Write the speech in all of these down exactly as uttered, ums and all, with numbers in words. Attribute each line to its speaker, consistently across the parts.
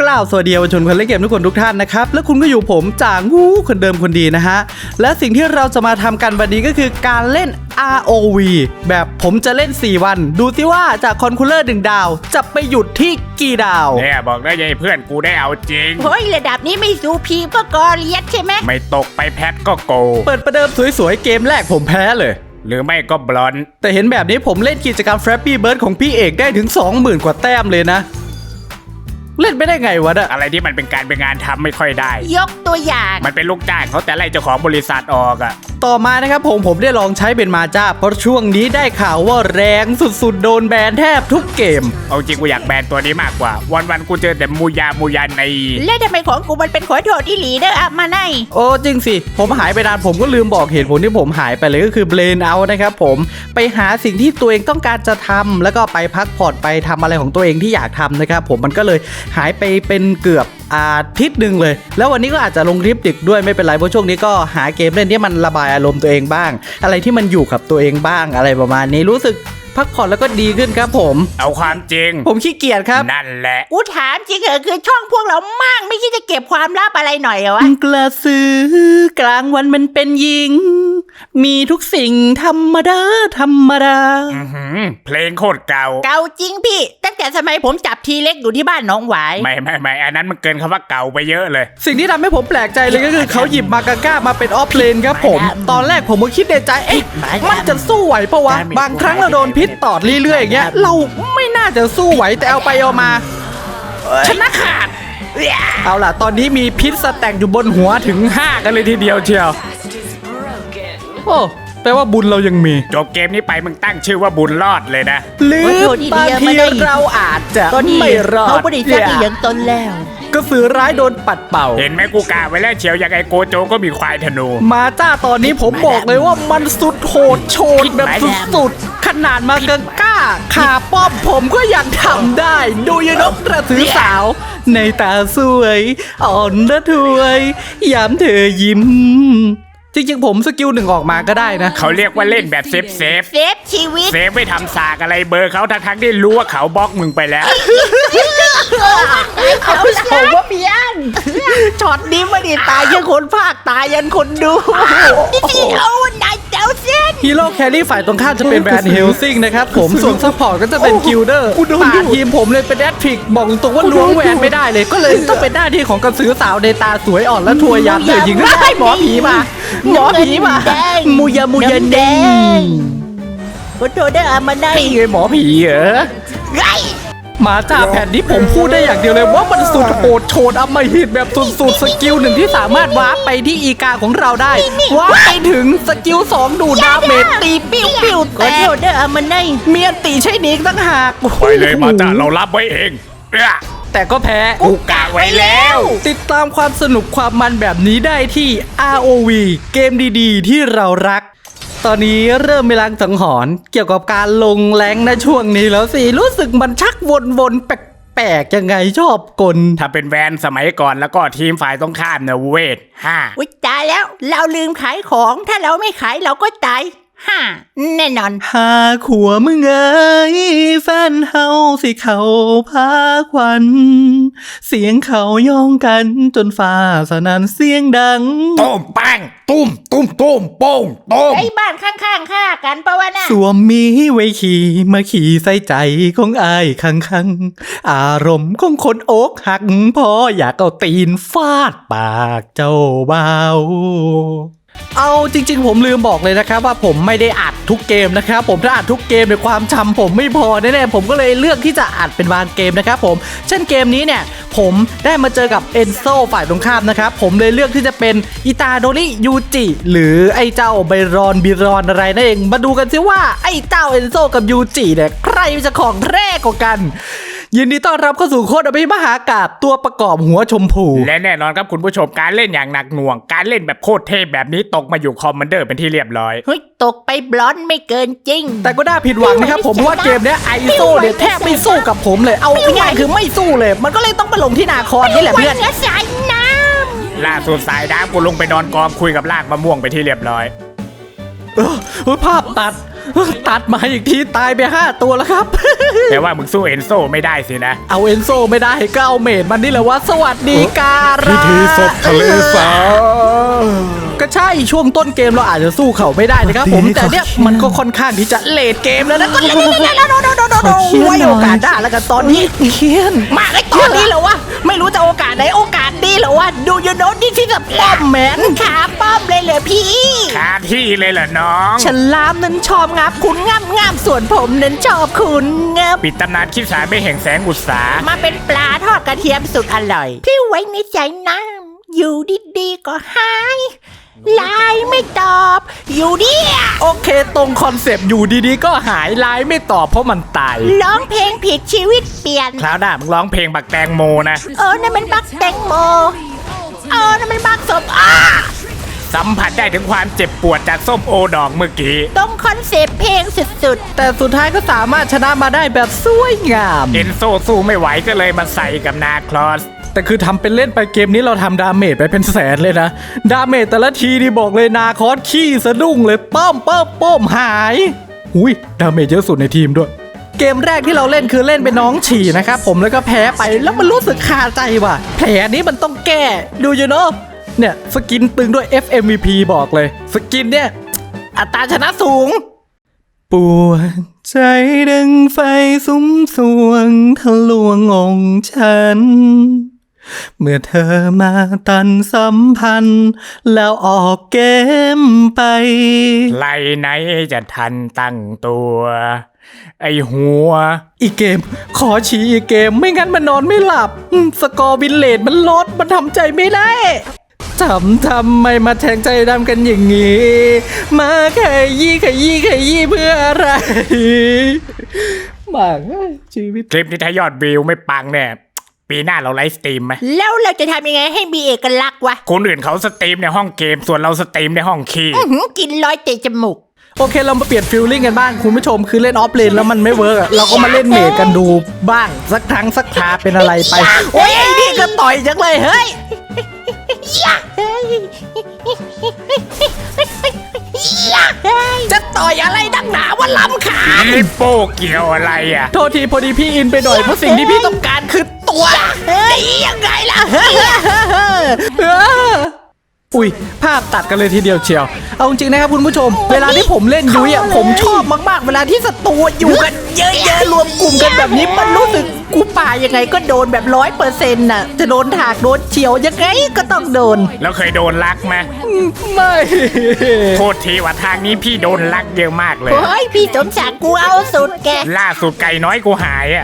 Speaker 1: กล่าวสวัสดีเยาวชนคนเล่นเกมทุกคนทุกท่านนะครับและคุณก็อยู่ผมจ่างงูคนเดิมคนดีนะฮะและสิ่งที่เราจะมาทำกันวันนี้ก็คือการเล่น อาร์ โอ วี แบบผมจะเล่นสี่วันดูซิว่าจากคอนคูลเลอร์หนึ่งดาวจะไปหยุดที่กี่ดาว
Speaker 2: เนี่ยบอกได้ยัยเพื่อนกูได้เอาจริง
Speaker 3: เฮ้ยระดับนี้ไม่สูพีมก็กอเลียสใช่ไหม
Speaker 2: ไม่ตกไปแพทก็โก
Speaker 1: เปิดประเดิมสวยๆเกมแรกผมแพ้เลย
Speaker 2: หรือไม่ก็บลอน
Speaker 1: แต่เห็นแบบนี้ผมเล่นกิจกรรม Flappy Bird ของพี่เอกได้ถึง สองหมื่น กว่าแต้มเลยนะเล่นไม่ได้ไงวะเนี่ย
Speaker 2: อะไรที่มันเป็นการเป็นงานทำไม่ค่อยได้
Speaker 3: ยกตัวอย่าง
Speaker 2: มันเป็นลูกจ้างเขาแต่ไล่เจ้าของบริษัทออกอะ
Speaker 1: ต่อมานะครับผมผมได้ลองใช้เป็นมาจ้าเพราะช่วงนี้ได้ข่าวว่าแรงสุดๆโดนแบนแทบทุกเกม
Speaker 2: เอาจริงกูอยากแบนตัวนี้มากกว่าวันๆกูเจอแต่มูยามูยาใน
Speaker 3: แล้วทำไมของกูมันเป็นขอโทษที่หลีเด้ออะมาไน
Speaker 1: โอ้จริงสิผมหายไปนานผมก็ลืมบอกเหตุผลที่ผมหายไปเลยก็คือเบรนเอาท์นะครับผมไปหาสิ่งที่ตัวเองต้องการจะทำแล้วก็ไปพักผ่อนไปทำอะไรของตัวเองที่อยากทำนะครับผมมันก็เลยหายไปเป็นเกือบอาทิตย์หนึ่งเลยแล้ววันนี้ก็อาจจะลงคลิปดึกด้วยไม่เป็นไรเพราะช่วงนี้ก็หาเกมเล่นที่มันระบายอารมณ์ตัวเองบ้างอะไรที่มันอยู่กับตัวเองบ้างอะไรประมาณนี้รู้สึกพักผ่อนแล้วก็ดีขึ้นครับผม
Speaker 2: เอาความจริง
Speaker 1: ผมขี้เกียจครับ
Speaker 2: นั่นแหละ
Speaker 3: กูถามจริงเหรอคือช่องพวกเรามั่งไม่คิดจะเก็บความลับอะไรหน่อยเหรอวะ
Speaker 1: กระสือกลางวันมันเป็นหญิงมีทุกสิ่งธรรมดาธรรมดา
Speaker 2: เพลงโคตรเก่า
Speaker 3: เก่าจริงพี่ตั้งแต่สมัยผมจับทีเล็กอยู่ที่บ้านน้องหวาย
Speaker 2: ไม่ไม่ไม่อันนั้นมันเกินคำว่าเก่าไปเยอะเลย
Speaker 1: สิ่งที่ทำให้ผมแปลกใจเลยก็คือเขาหยิบมากาก้ามาเป็นออฟเลนครับผมตอนแรกผมก็คิดในใจเอ๊ะมันจะสู้ไหวปะวะบางครั้งเราโดนพิษตอดเรื่อยๆอย่างเงี้ยเราไม่น่าจะสู้ไหวแต่เอาไปเอามา
Speaker 3: ชนะขาด
Speaker 1: เอาล่ะตอนนี้มีพิษสแต็กอยู่บนหัวถึงห้ากันเลยทีเดียวเชียวโอ้แปลว่าบุญเรายังมี
Speaker 2: จบเกมนี้ไปมึงตั้งชื่อว่าบุญรอดเลยนะ
Speaker 1: หรือบางทีเราอาจจะไม่รอด
Speaker 3: เขาบริจาคอย่างตนแล้ว
Speaker 1: ก็สือร้ายโดนปัดเป่า
Speaker 2: เห็นไหมกูกาไว้แล้วเชียวยังไงโกโจก็มีควายธนู
Speaker 1: มาจ้าตอนนี้ผมบอกเลยว่ามันสุดโหดโชนแบบสุดๆขนาดมากาก้าขาป้อมผมก็ยังทำได้ดูยนกกระสือสาวในตาสวยอ่อนระทวยยามเธอยิ้มจริงๆผมสกิลหนึ่งออกมาก็ได้นะ
Speaker 2: เขาเรียกว่าเล่นแบบเซฟเซฟ
Speaker 3: เซฟชีวิต
Speaker 2: เซฟไม่ทำสากอะไรเบอร์เขาทั้งๆที่รู้ว่าเขาบล็อกมึงไปแล้ว
Speaker 3: เขาผมว่าเพี้ยนช็อตนี้ไม่ได้ตายยันคนภาคตายยันคนดูนี่เอานายเจ้าเส้น
Speaker 1: ฮีโร่แครี่ฝ่ายตรงข้ามจะเป็นแบรนด์เฮลซิงนะครับผมส่วนซัพพอร์ตก็จะเป็นกิลเดอร์ป่าทีมผมเลยเป็นแอดฟิกบอกตรงว่าล้วงแหวนไม่ได้เลยก็เลยต้องเป็นหน้าที่ของกระสือสาวในตาสวยอ่อนและทวยยันเธอยิงได้หมอผีมาหมอผีมามูยามูยาแดง
Speaker 3: ขอโทษได้อามาได้
Speaker 1: ไงหมอผีเหรอ
Speaker 3: ไง
Speaker 1: มาจ้าแผ่นนี้ผมพูดได้อย่างเดียวเลยว่ามันสุดโหดโชนอมหิตแบบสุดๆสกิลหนึ่งที่สามารถวาร์ปไปที่อีกาของเราได้วาร์ปไปถึงสกิลสองดูดาเมจตีปิ้วปิ้ว
Speaker 3: ขอโทษได้อามาได้
Speaker 1: เมียนตีใช่นิกตั้งหาก
Speaker 2: ไปเลยมาจ้าเรารับไว้เอง
Speaker 1: แต่ก็แพ้
Speaker 2: กูกะไว้แล้ว
Speaker 1: ติดตามความสนุกความมันแบบนี้ได้ที่ อาร์ โอ วี เกมดีๆที่เรารักตอนนี้เริ่มมีลางสังหรณ์เกี่ยวกับการลงแรงในช่วงนี้แล้วสิรู้สึกมันชักวนๆแปลกๆยังไงชอบกล
Speaker 2: ถ้าเป็นแวนสมัยก่อนแล้วก็ทีมฝ่ายต้องข้ามเนี่ยเวทห้า
Speaker 3: อุ๊ยตายแล้วเราลืมขายของถ้าเราไม่ขายเราก็ตายฮ่าแน่นอน
Speaker 1: หาขัวมึงเอ้ยแฟนเฮาสิเขาพาควันเสียงเขาย่องกันจนฟ้าสนั่นเสียงดัง
Speaker 2: ตุ้มปังตุ้มตุ้มตุ้มโป้งตุ้ม
Speaker 3: ไอ้บ้านข้างๆฆ่ากันปะวะน่ะ
Speaker 1: สวมมีไว้ขี่มาขี่ใส่ใจของอายคังคังอารมณ์ของคนอกหักพออยากเอาตีนฟาดปากเจ้าเบาเอาจริงๆผมลืมบอกเลยนะครับว่าผมไม่ได้อัดทุกเกมนะครับผมถ้าอัดทุกเกมในความจำผมไม่พอแน่ๆผมก็เลยเลือกที่จะอัดเป็นบางเกมนะครับผมเช่นเกมนี้เนี่ยผมได้มาเจอกับเอนโซฝ่ายตรงข้ามนะครับผมเลยเลือกที่จะเป็นอิตาโดริยูจิหรือไอ้เจ้าไบรอนบิรอนอะไรนั่นเองมาดูกันซิว่าไอ้เจ้าเอนโซกับยูจิเนี่ยใครจะของแรกกว่ากันยินดีต้อนรับเข้าสู่โคตรอภิมหากาพย์ตัวประกอบหัวชมพู
Speaker 2: และแน่นอนครับคุณผู้ชมการเล่นอย่างหนักหน่วงการเล่นแบบโคตรเทพแบบนี้ตกมาอยู่คอมมานเดอร์เป็นที่เรียบร้อย
Speaker 3: เฮ้ยตกไปบลอนไม่เกินจริง
Speaker 1: แต่ก็น่าผิดหวังนะครับผมว่าเกมนี้ไอโซเนี่ยแทบไม่สู้กับผมเลยเอาง่ายๆคือไม่สู้เลยมันก็เลยต้องมาลงที่นาคอนนี่แหละเพื่อน
Speaker 3: สายน้
Speaker 2: ำล่าสุดสายน้ำกูลงไปนอนกองคุยกับลากมะม่วงไปที่เรียบร้อย
Speaker 1: เออภาพตัดตัดมาอีกทีตายไปห้าตัวแล้วครับ
Speaker 2: แต่ว่ามึงสู้เอนโซไม่ได้สินะ
Speaker 1: เอาเอนโซไม่ได้ก็เอาเมดมันนี่แหละว่าสวัสดีการะ
Speaker 2: สา
Speaker 1: ก็ใช่ช่วงต้นเกมเราอาจจะสู้เขาไม่ได้นะครับผมแต่เนี่ยมันก็ค่อนข้างที่จะเลทเกมแล้วนะก็เล่นๆๆๆๆไว้โอกาสได้แล้วกันตอนนี้เคียน
Speaker 3: มาไอ้ตอนนี้เหรอวะไม่รู้จะโอกาสไหนโอกาสดีเหรอวะดูยูโนนี่ที่จะป้อมแมนขาป้อมเลยเหรอพี่
Speaker 2: คาที่เลยเหรอน้อง
Speaker 3: ฉลามนั้นชอบงับคุณงับงับส่วนผมนั้นชอบคุณงับ
Speaker 2: ปิดตำนานคิดสารไม่แห่งแสงอุตสา
Speaker 3: มาเป็นปลาทอดกระเทียมสุดอร่อย ที่ไว้ในใจน้ำอยู่ดีๆก็หายไลน์ไม่ตอบ อยู่ดิ
Speaker 1: โอเคตรงคอนเซปต์อยู่ดีๆก็หายไลน์ไม่ตอบเพราะมันตาย
Speaker 3: ร้องเพลงผิดชีวิตเปลี่ยน
Speaker 2: คราวหน้ามึงร้องเพลงบักแตงโมนะ
Speaker 3: เออนั่นมันบักแตงโมเออนั่นมันบักศพอ้า
Speaker 2: สัมผัสได้ถึงความเจ็บปวดจากส้มโอดอกเมื่อกี้
Speaker 3: ตรงคอนเซปต์เพลงสุด
Speaker 1: แต่สุดท้ายก็สามารถชนะมาได้แบบสวยงาม
Speaker 2: เอนโซสู้ไม่ไหวก็เลยมาใส่กับนาคลอส
Speaker 1: แต่คือทำเป็นเล่นไปเกมนี้เราทำดาเมจไปเป็นแสนเลยนะ ดาเมจแต่ละทีนี่บอกเลยนาคอสขี้สะดุ้งเลยป้อมป้อมป้อมหายหุยดาเมจเยอะสุดในทีมด้วย เกมแรกที่เราเล่นคือเล่นเป็นน้องฉี่นะครับผมแล้วก็แพ้ไปแล้วมันรู้สึกคาใจว่ะแผลนี้มันต้องแก้ดูอยู่เนาะเนี่ยสกินตึงด้วย เอฟ เอ็ม วี พี บอกเลยสกินเนี่ยอัตราชนะสูง ปวดใจดังไฟสุมสวงทะลวงองฉัน เมื่อเธอมาตันสัมพันธ์ แล้วออกเกมไป
Speaker 2: ไล่ไหนจะทันตั้งตัว ไอหัว
Speaker 1: อีกเกม ขอฉีอีกเกมไม่งั้นมันนอนไม่หลับอืมสกอร์บินเลดมันลดมันทำใจไม่ได้ทำทำไมมาแทงใจดำกันอย่างงี้ มาขยี้ขยี้ขยี้เพื่ออะไรมากชีวิต
Speaker 2: คลิปนี้ถ้ายอดวิวไม่ปังเนี่ยปีหน้าเราไลฟ์สตรีมไหม
Speaker 3: ๆ แล้วเราจะทำยังไงให้มีเอกลักษณ์วะ
Speaker 2: คนอื่นเขาสตรีมในห้องเกมส่วนเราสตรีมในห้องคีย์
Speaker 3: อื้อหือกินร้อยเตะจมูก
Speaker 1: โอเคเรามาเปลี่ยนฟิลลิ่งกันบ้างคุณผู้ชมคือเล่นออฟเลนแล้วมันไม่เวิร์กอะเราก็มาเล่นเมจกันดูบ้างสักครั้งสักคราเป็นอะไรไป โอ้ยไอ้นี่ก็ต่อยจังเลยเฮ้ย จะต่อยอะไรดังหนาว่าล้ำขา
Speaker 2: ลิปโป้เกี่ยวอะไรอ่ะ
Speaker 1: โทษทีพอดีพี่อินไปหน่อยเพราะสิ่งที่พี่ต้องการคือตัว
Speaker 3: เฮ้ยยังไงล่ะ
Speaker 1: เอออุ้ยภาพตัดกันเลยทีเดียวเชียว เอาจริงๆนะครับคุณผู้ชม เวลาที่ผมเล่นยุ้ยอ่ะผมชอบมากๆ เวลาที่ศัตรูอยู่กันเยอะๆรวมกลุ่มกันแบบนี้มันรู้สึกกูป่ายังไงก็โดนแบบร้อยเปอร์เซ็นต์น่ะจะโดนถากโดนเฉียวยังไงก็ต้องโดน
Speaker 2: แล้วเคยโดนลักไหม
Speaker 1: ไม่
Speaker 2: โทษทีว่าทางนี้พี่โดนลักเยอะมากเลย
Speaker 3: เฮ้ยพี่สมศักดิ์กูเอาสุดแก
Speaker 2: ล่าสุดไก่น้อยกูหายอ่ะ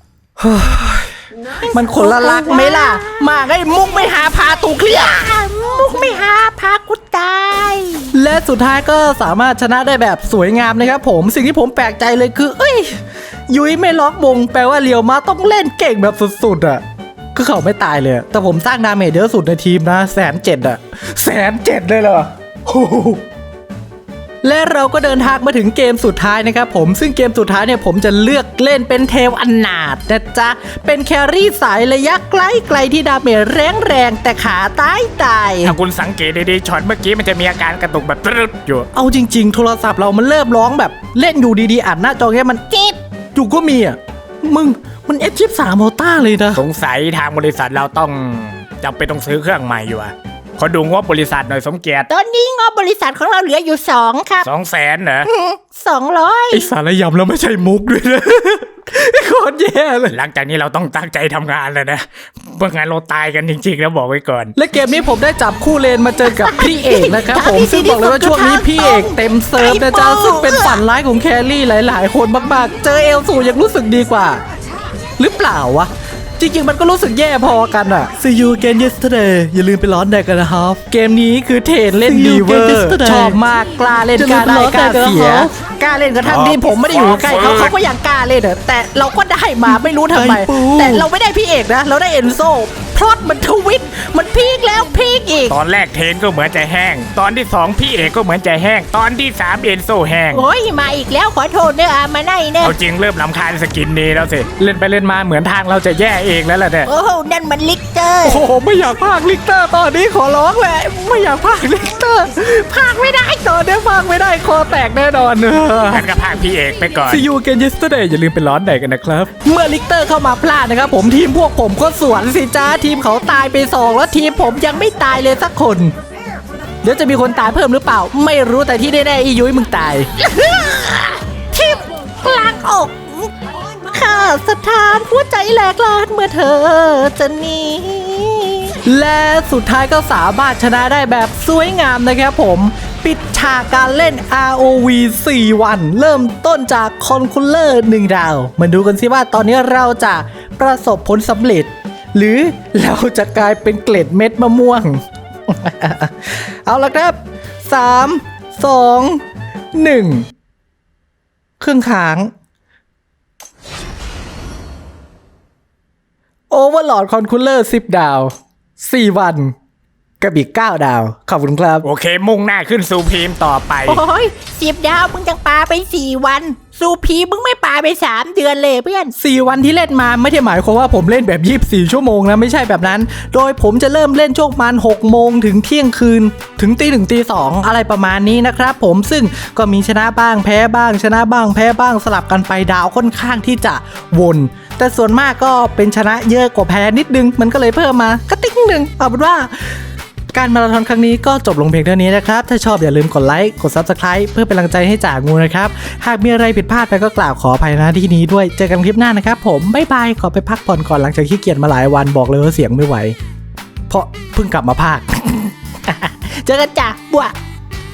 Speaker 1: มันคนละลักไหมล่ะ
Speaker 3: มาไอ้มุกไม่หาพาตูเคลียร์มุกไม่หาพากูตาย
Speaker 1: และสุดท้ายก็สามารถชนะได้แบบสวยงามนะครับผมสิ่งที่ผมแปลกใจเลยคือ เอ้ย ยุ้ยไม่ล็อกวงแปลว่าเรียวมาต้องเล่นเก่งแบบสุดๆอ่ะคือเขาไม่ตายเลยอะแต่ผมสร้างดาเมจเยอะสุดในทีมนะแสนเจ็ดอ่ะแสนเจ็ดเลยเหรอโอ้โหและเราก็เดินทางมาถึงเกมสุดท้ายนะครับผมซึ่งเกมสุดท้ายเนี่ยผมจะเลือกเล่นเป็นเทลอนาถนะจ๊ะเป็นแครี่สายระยะใกล้ไกลที่ดาเมจแรงแรงๆแต่ขาตายตาย
Speaker 2: ถ้าคุณสังเกตดีๆช็อตเมื่อกี้มันจะมีอาการกระตุกแบบตรึดอยู่
Speaker 1: เอาจริงๆ โทรศัพท์เรามันเริ่มร้องแบบเล่นอยู่ดีๆอัดหน้าจอแค่มันเจ็บอยู่ก็มีอ่ะมึงมันเอฟชิปสามโมต้าเลยนะ
Speaker 2: สงสัยทางบริษัทเราต้องจำเป็นต้องซื้อเครื่องใหม่อยู่อะขอดูงบบริษัทหน่อยสมเกียรติ
Speaker 3: ตอนนี้งบบริษัทของเราเหลืออยู่สองครับ
Speaker 2: สองแสนเหรอ
Speaker 3: สองร้อย
Speaker 1: ไอสารยำแล้วไม่ใช่มุกด้วยนะ โคตรแย่เลย
Speaker 2: หลังจากนี้เราต้องตั้งใจทำงานแล้วนะเมื่องั้นเราตายกันจริงๆแล้วบอกไว้ก่อน
Speaker 1: และเกมนี้ผมได้จับคู่เลนมาเจอกับพี่เอกนะครับผมซึ่งบอกเลยว่าช่วงนี้พี่เอกเต็มเซิร์ฟนะจ๊ะซึ่งเป็นฝันร้ายของแครี่หลายๆ คนมากๆ เจอเอลสูยังรู้สึกดีกว่า หรือเปล่าวะ จริงๆ มันก็รู้สึกแย่พอกันอะ See you again yesterday อย่าลืมไปร้อนแดกกันนะครับ เกมนี้คือเทรดเล่น
Speaker 3: See
Speaker 1: ดี
Speaker 3: you
Speaker 1: เวอ
Speaker 3: again
Speaker 1: ร์
Speaker 3: yesterday
Speaker 1: ชอบมากกล้าเล่นกล้าได้กล้าเสีย กล้าเล่นกระทั่งที่ผมไม่ได้อยู่ใกล้เขาเขาก็ยังกล้าเล่นอะแต่เราก็ได้มาไม่รู้ทำไม
Speaker 3: ไอ้ปู
Speaker 1: แต่เราไม่ได้พี่เอกนะ เราได้เอนโซพลอตมันทวิตมันพีคแล้วพีค
Speaker 3: อีก
Speaker 2: ตอนแรกเทนก็เหมือนจะแห้ง ตอนที่สองพี่เอกก็เหมือนจะแห้ง ตอนที่สามเอ็นโซแห้ง
Speaker 3: โอ้ยมาอีกแล้วขอโทษเนอะอามาไนเนอะ
Speaker 2: เอาจริงเริ่มลำคาญสกินนี้แล้วสิ เล่นไปเล่นมาเหมือนทางเราจะแย่เองแล้วล่ะเนี่ย
Speaker 3: โอ้โหนั่นมันลิกเตอร์
Speaker 1: โอ้โหไม่อยากพากลิกเตอร์ตอนนี้ขอร้องเลยไม่อยากพากลิกเตอร์พากไม่ได้ตอนนี้พากไม่ได้คอแตกแน่นอน
Speaker 2: ท่านก็พากพี่เอกไปก่อน
Speaker 1: See you again yesterday อย่าลืมไปร้อนแดกกันนะครับ เมื่อลิกเตอร์เข้ามาพลาดนะครับผมทีมพวกผมก็สวนสิจ้าทีมเขาตายไปสองแล้วทีมผมยังไม่ตายเลยสักคน เดี๋ยวจะมีคนตายเพิ่มหรือเปล่า ไม่รู้แต่ที่แน่ๆอียุ้ยมึงตาย
Speaker 3: ทิพกลางอกข้าสถานหัวใจแหลกลานเมื่อเธอจะหนี
Speaker 1: และสุดท้ายก็สามารถชนะได้แบบสวยงามนะครับผม ปิดฉากการเล่น อาร์ โอ วี สี่ วัน เริ่มต้นจากคอนคูลเลอร์หนึ่งดาว มาดูกันสิว่าตอนนี้เราจะประสบผลสำเร็จ หรือเราจะกลายเป็นเกล็ดเม็ดมะม่วง เอาละครับสามสองหนึ่งครึ่งค้าง โอเวอร์ลอดคอนคูลเลอร์สิบดาวสี่วันกับอีกเก้าดาว ขอบคุณครับ
Speaker 2: โอเค มุ่งหน้าขึ้นสู่พีมต่อไป
Speaker 3: โอ้ยสิบดาวมึงจังปาไปสี่วันสูพีมึงไม่ปาไปสามเดือนเลยเพื่อน
Speaker 1: สี่ วันที่เล่นมาไม่ได้หมายความว่าผมเล่นแบบยี่สิบสี่ชั่วโมงนะไม่ใช่แบบนั้น โดยผมจะเริ่มเล่นช่วงประมาณหกโมงถึงเที่ยงคืน ถึงตีหนึ่งตีสองอะไรประมาณนี้นะครับผมซึ่งก็มีชนะบ้างแพ้บ้าง ชนะบ้างแพ้บ้างสลับกันไปดาวค่อนข้างที่จะวน แต่ส่วนมากก็เป็นชนะเยอะกว่าแพ้นิดนึงมันก็เลยเพิ่มมากระติ๊งหนึ่งเอาเป็นว่า การมาราธอนครั้งนี้ก็จบลงเพียงเท่านี้นะครับ ถ้าชอบอย่าลืมกดไลค์ กด ซับสไครบ์ เพื่อเป็นกำลังใจให้จ่างูนะครับ หากมีอะไรผิดพลาดไปก็กล่าวขออภัยนะที่นี้ด้วย เจอกันคลิปหน้านะครับผม บ๊ายบาย ขอไปพักผ่อนก่อนหลังจากขี้เกียจมาหลายวันบอกเลยว่าเสียงไม่ไหว เพราะเพิ่งกลับมาพาก
Speaker 3: เจอกันจ้ะบัว